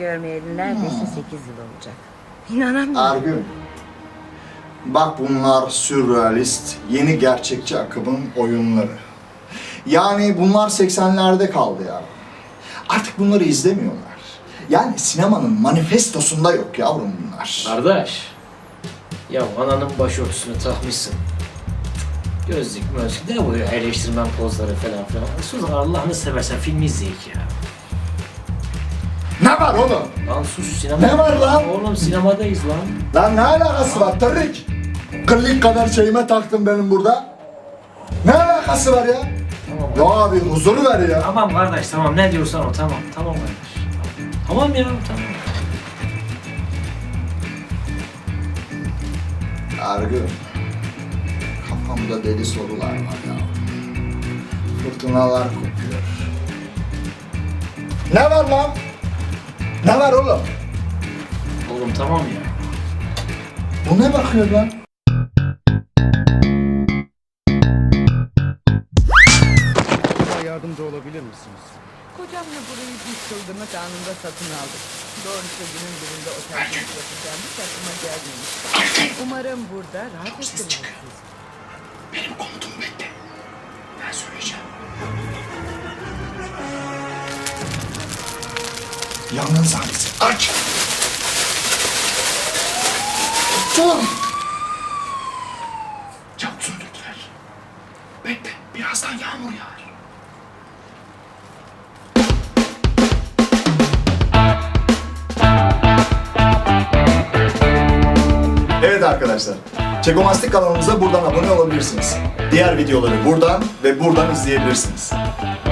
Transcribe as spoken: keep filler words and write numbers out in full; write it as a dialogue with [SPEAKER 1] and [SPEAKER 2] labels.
[SPEAKER 1] görmeyeli neredeyse sekiz yıl olacak. İnanamıyorum.
[SPEAKER 2] Argün. Bak bunlar sürrealist, yeni gerçekçi akımın oyunları. Yani bunlar seksenlerde kaldı ya. Artık bunları izlemiyorlar. Yani sinemanın manifestosunda yok yavrum bunlar.
[SPEAKER 3] Kardeş, ya ananın başörtüsünü takmışsın. Gözlük mözlük ne bu ya, eleştirmen pozları falan filan. Sus Allah'ını seversen film izleyek ya.
[SPEAKER 2] Ne var oğlum?
[SPEAKER 3] Lan sus, sinema.
[SPEAKER 2] Ne var lan?
[SPEAKER 3] Oğlum sinemadayız lan.
[SPEAKER 2] Lan ne alakası var Tarık? Kıllık kadar şeyime taktın benim burada. Ne alakası var ya?
[SPEAKER 3] Tamam.
[SPEAKER 2] Ya abi huzur ver ya.
[SPEAKER 3] Tamam kardeş, tamam ne diyorsan o, tamam. Tamam kardeş. Tamam, tamam ya, tamam.
[SPEAKER 2] Argın. Kafamda deli sorular var ya. Fırtınalar kopuyor. Ne var lan? Ne var oğlum?
[SPEAKER 3] Oğlum tamam ya.
[SPEAKER 2] Bu ne bakıyor lan?
[SPEAKER 4] Bana yardımcı olabilir misiniz?
[SPEAKER 1] Kocamla burayı bir çılgınlık anında satın aldık. Doğrusu günün birinde otelde yapacağım hiç aklıma gelmemiş. Umarım burada rahat ettirirsiniz.
[SPEAKER 2] Benim komutumu bekle. Ben söyleyeceğim. Yangın sahnesi. Aç! Dur! Çabuk söndürdüler. Bekle. Birazdan yağmur yağar. Evet arkadaşlar. Çekomastik kanalımıza buradan abone olabilirsiniz. Diğer videoları buradan ve buradan izleyebilirsiniz.